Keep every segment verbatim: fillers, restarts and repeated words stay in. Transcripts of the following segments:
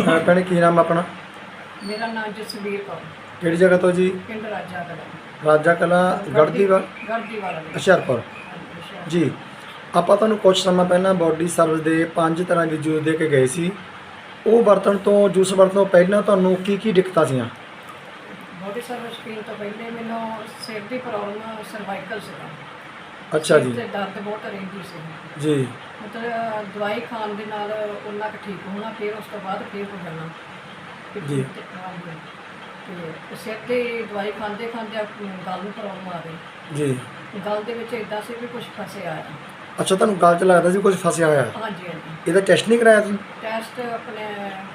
ਅਹ ਭੈਣੇ ਕੀ ਨਾਮ ਆਪਣਾ? ਮੇਰਾ ਨਾਮ ਜਸਵੀਰ ਕੌਰ, ਕਿਹੜੀ ਜਗ੍ਹਾ ਤੋਂ ਜੀ? ਪਿੰਡ ਰਾਜਾ ਕਲਾ, ਰਾਜਾ ਕਲਾ ਗੜਦੀਵਾਲ ਗੜਦੀਵਾਲ ਹੁਸ਼ਿਆਰਪੁਰ ਜੀ। ਆਪਾਂ ਤੁਹਾਨੂੰ ਕੁਝ ਸਮਾਂ ਪਹਿਲਾਂ ਬਾਡੀ ਸਰਵਿਸ ਦੇ ਪੰਜ ਤਰ੍ਹਾਂ ਦੇ ਜੂਸ ਦੇ ਕੇ ਗਏ ਸੀ। ਉਹ ਵਰਤਣ ਤੋਂ ਜੂਸ ਵਰਤਣ ਤੋਂ ਪਹਿਲਾਂ ਤੁਹਾਨੂੰ ਕੀ ਕੀ ਦਿੱਕਤਾਂ ਸੀਆਂ? ਬੋਡੀ ਸਰਵਿਸ ਪੀਣ ਤੋਂ ਪਹਿਲੇ ਮੈਨੂੰ ਸਿਰ ਦੀ ਪ੍ਰੋਬਲਮ, ਸਰਵਾਈਕਲ ਸੀਗਾ। ਅੱਛਾ ਜੀ ਤੇ ਦਰਦ ਬਹੁਤ ਰਹਿੰਦੀ ਸੀ ਜੀ। ਮਤਲਬ ਦਵਾਈ ਖਾਣ ਦੇ ਨਾਲ ਉਹਨਾਂ ਕੁ ਠੀਕ ਹੋਣਾ, ਫਿਰ ਉਸ ਤੋਂ ਬਾਅਦ ਫਿਰ ਹੋ ਜਾਣਾ ਜੀ। ਤੇ ਹਾਂਜੀ, ਤੇ ਸਿਰ ਦੀ ਦਵਾਈ ਖਾਂਦੇ ਖਾਂਦੇ ਗਲ ਨੂੰ ਪ੍ਰੋਬਲਮ ਆ ਗਈ। ਜੀ ਗਲ ਦੇ ਵਿੱਚ ਇੱਦਾਂ ਸੀ ਵੀ ਕੁਝ ਫਸਿਆ ਆ। ਅੱਛਾ, ਤੁਹਾਨੂੰ ਗੱਲ 'ਚ ਲੱਗਦਾ ਸੀ ਕੁਝ ਫਸਿਆ ਹੋਇਆ? ਹਾਂਜੀ ਹਾਂਜੀ। ਇਹਦਾ ਟੈਸਟ ਨਹੀਂ ਕਰਾਇਆ ਤੁਸੀਂ? ਟੈਸਟ ਆਪਣੇ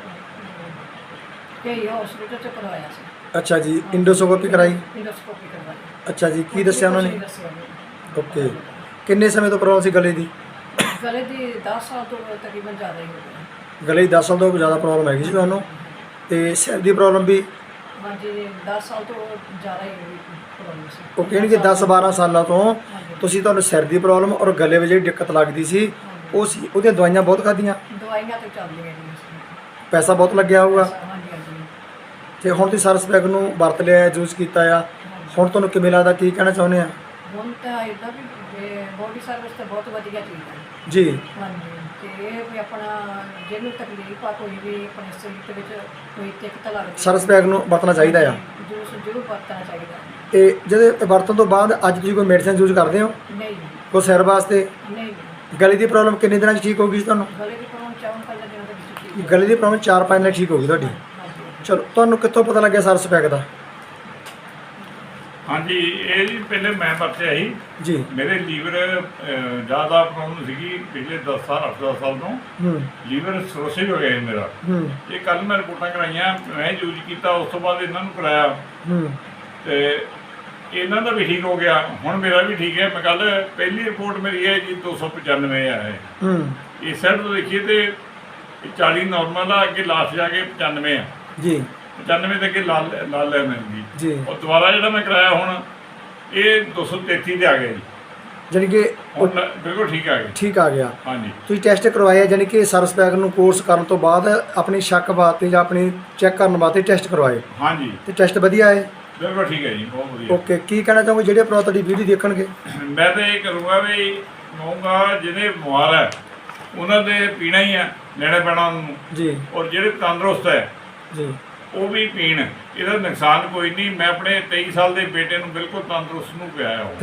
ਕਈ ਹਸਪੀਟਲ 'ਚ ਕਰਵਾਇਆ ਸੀ। ਅੱਛਾ ਜੀ, ਇੰਡੋਸਕੋਪੀ ਕਰਾਈ? ਇੰਡੋਸਕੋਪੀ ਕਰਵਾਈ। ਅੱਛਾ ਜੀ, ਕੀ ਦੱਸਿਆ ਉਹਨਾਂ ਨੇ? ਕੁਛ ਨਹੀਂ ਦੱਸਿਆ ਜੀ। ਓਕੇ, ਕਿੰਨੇ ਸਮੇਂ ਤੋਂ ਪ੍ਰੋਬਲਮ ਸੀ ਗਲੇ ਦੀ? ਗਲੇ ਦੀ ਦਸ ਸਾਲ ਤੋਂ ਤਕਰੀਬਨ ਜ਼ਿਆਦਾ ਹੀ ਹੋ ਗਈ। ਗਲੇ ਦੀ ਦਸ ਸਾਲ ਤੋਂ ਜ਼ਿਆਦਾ ਪ੍ਰੋਬਲਮ ਹੈਗੀ ਸੀ ਤੁਹਾਨੂੰ, ਤੇ ਸਿਰ ਦੀ ਪ੍ਰੋਬਲਮ ਵੀ? ਹਾਂਜੀ, ਦਸ ਸਾਲ ਤੋਂ ਜ਼ਿਆਦਾ ਹੀ ਪ੍ਰੋਬਲਮ ਸੀ। ਉਹ ਕਹਿਣਗੇ ਦਸ ਬਾਰਾਂ ਸਾਲਾਂ ਤੋਂ ਹਾਂਜੀ। ਤੁਸੀਂ, ਤੁਹਾਨੂੰ ਸਿਰ ਦੀ ਪ੍ਰੋਬਲਮ ਔਰ ਗਲੇ ਵਿੱਚ ਜਿਹੜੀ ਦਿੱਕਤ ਲੱਗਦੀ ਸੀ ਉਹ ਸੀ, ਉਹਦੀਆਂ ਦਵਾਈਆਂ ਬਹੁਤ ਖਾਧੀਆਂ, ਦਵਾਈਆਂ ਤੇ ਚੱਲਦੀਆਂ ਜੀ। ਪੈਸਾ ਬਹੁਤ ਲੱਗਿਆ ਹੋਊਗਾ। ਹਾਂਜੀ ਹਾਂਜੀ। ਤੇ ਹੁਣ ਤੁਸੀਂ ਸਰਸ ਪੈਕ ਨੂੰ ਵਰਤ ਲਿਆ, ਯੂਜ਼ ਕੀਤਾ ਆ, ਹੁਣ ਤੁਹਾਨੂੰ ਕਿਵੇਂ ਲੱਗਦਾ, ਕੀ ਕਹਿਣਾ ਚਾਹੁੰਦੇ ਆ? ਹੁਣ ਤਾਂ ਇੱਦਾਂ ਵੀ ਬੋਡੀ ਸਰਵਿਸ ਤਾਂ ਬਹੁਤ ਵਧੀਆ ਚੀਜ਼ ਹੈ ਜੀ। ਹਾਂਜੀ, ਤੇ ਇਹ ਵੀ ਆਪਣਾ ਜਿਹਨੂੰ ਤਕਲੀਫ ਆ, ਕੋਈ ਵੀ ਆਪਣੇ ਸਰੀਰ ਦੇ ਵਿੱਚ ਕੋਈ ਦਿੱਕਤ ਲੱਗਦੀ, ਸਰਸ ਪੈਕ ਨੂੰ ਵਰਤਣਾ ਚਾਹੀਦਾ ਆ। ਜੂਸ ਜ਼ਰੂਰ ਵਰਤਣਾ ਚਾਹੀਦਾ। ਤੇ ਜਿਹਦੇ ਵਰਤਣ ਤੋਂ ਬਾਅਦ ਅੱਜ ਤੁਸੀਂ ਕੋਈ ਮੈਡੀਸਿਨ ਯੂਜ਼ ਕਰਦੇ ਹੋ ਨਹੀਂ ਕੋਈ ਸਿਰ ਵਾਸਤੇ? ਨਹੀਂ ਨਹੀਂ। ਗਲੇ ਦੀ ਪ੍ਰੋਬਲਮ ਕਿੰਨੇ ਦਿਨਾਂ 'ਚ ਠੀਕ ਹੋ ਗਈ ਸੀ ਤੁਹਾਨੂੰ? ਗਲੇ ਦੀ ਪ੍ਰੋਬਲਮ ਚਾਰ ਪੰਜ ਦਿਨਾਂ ਦੇ ਵਿੱਚ ਠੀਕ ਗਲੇ ਦੀ ਪ੍ਰੋਬਲਮ ਚਾਰ ਪੰਜ ਦਿਨਾਂ 'ਚ ਠੀਕ ਹੋ ਗਈ ਤੁਹਾਡੀ? ਹਾਂਜੀ। ਚਲੋ, ਤੁਹਾਨੂੰ ਕਿੱਥੋਂ ਪਤਾ ਲੱਗਿਆ ਸਰਸ ਪੈਕ ਦਾ? ਹਾਂਜੀ, ਇਹ ਜੀ ਪਹਿਲੇ ਮੈਂ ਵਰਤਿਆ ਸੀ ਜੀ। ਮੇਰੇ ਲੀਵਰ ਜ਼ਿਆਦਾ ਪ੍ਰੋਬਲਮ ਸੀਗੀ ਪਿਛਲੇ ਦਸ ਸਾਲ ਅੱਠ ਦਸ ਸਾਲ ਤੋਂ। ਹੂੰ ਲੀਵਰ ਸਰੋਸਿਸ ਹੋ ਗਿਆ ਸੀ ਮੇਰਾ। ਹੂੰ ਇਹ ਕੱਲ ਮੈਂ ਰਿਪੋਰਟਾਂ ਕਰਾਈਆਂ, ਮੈਂ ਯੂਜ਼ ਕੀਤਾ, ਉਸ ਤੋਂ ਬਾਅਦ ਇਹਨਾਂ ਨੂੰ ਕਰਾਇਆ ਹੂੰ ਤੇ ਇਹਨਾਂ ਦਾ ਵੀ ਠੀਕ ਹੋ ਗਿਆ। ਹੁਣ ਮੇਰਾ ਵੀ ਠੀਕ ਹੈ। ਮੈਂ ਕੱਲ ਪਹਿਲੀ ਰਿਪੋਰਟ ਮੇਰੀ ਹੈ ਜੀ ਦੋ ਸੌ ਪਚਾਨਵੇਂ ਆ ਹੈ। ਹੂੰ ਇਸ ਸਾਈਡ ਤੋਂ ਦੇਖੀਏ ਤੇ ਚਾਲੀ ਨਾਰਮਲ ਆ, ਅੱਗੇ ਲਾਸਟ ਜਾ ਕੇ ਪਚਾਨਵੇਂ ਆ। ਜੀ ਪਚਾਨਵੇਂ ਦੇ ਅੱਗੇ ਲਾਲ ਲਾਲ ਲੈ ਮਿਲ ਜੀ। ਗਈ। ਉਹ ਦੁਬਾਰਾ ਜਿਹੜਾ ਮੈਂ ਕਰਾਇਆ ਹੁਣ ਇਹ ਦੋ ਸੌ ਤੇਤੀ ਤੇ ਆ ਗਿਆ ਜੀ। ਜਾਣੀ ਕਿ ਉਹ ਹੁਣ ਬਿਲਕੁਲ ਠੀਕ ਆ ਗਿਆ। ਠੀਕ ਆ ਗਿਆ। ਹਾਂਜੀ ਤੁਸੀਂ ਟੈਸਟ ਕਰਵਾਇਆ, ਜਾਣੀ ਕਿ ਸਰਸ ਪੈਕ ਨੂੰ ਕੋਰਸ ਕਰਨ ਤੋਂ ਬਾਅਦ ਆਪਣੀ ਸ਼ੱਕ ਵਾਸਤੇ ਜਾਂ ਆਪਣੀ ਚੈੱਕ ਕਰਨ ਵਾਸਤੇ ਟੈਸਟ ਕਰਵਾਏ, ਹਾਂਜੀ ਤੇ ਟੈਸਟ ਵਧੀਆ ਆਏ? ਬਿਲਕੁਲ ਠੀਕ ਹੈ ਜੀ, ਬਹੁਤ ਵਧੀਆ। ਓਕੇ, ਕੀ ਕਹਿਣਾ ਚਾਹੋਗੇ ਜਿਹੜੇ ਭਰਾ ਤੁਹਾਡੀ ਵੀਡੀਓ ਦੇਖਣਗੇ? ਮੈਂ ਤਾਂ ਇਹ ਕਰੂੰਗਾ ਵੀ ਕਹੂੰਗਾ ਜਿਹਨੇ ਬਿਮਾਰ ਹੈ ਉਹਨਾਂ ਦੇ ਪੀਣਾ ਹੀ ਆ, ਲੈਣਾ ਪੈਣਾ ਉਹਨੂੰ। ਜੀ ਔਰ ਜਿਹੜੇ ਤੰਦਰੁਸਤ ਹੈ ਜੀ। ਉਹ ਵੀ ਪੀਣ, ਇਹਦਾ ਨੁਕਸਾਨ ਕੋਈ ਨਹੀਂ। ਮੈਂ ਆਪਣੇ ਤੇਈ ਸਾਲ ਦੇ ਬੇਟੇ ਨੂੰ ਬਿਲਕੁਲ ਤੰਦਰੁਸਤ ਨੂੰ ਪਿਆਇਆ ਉਹ।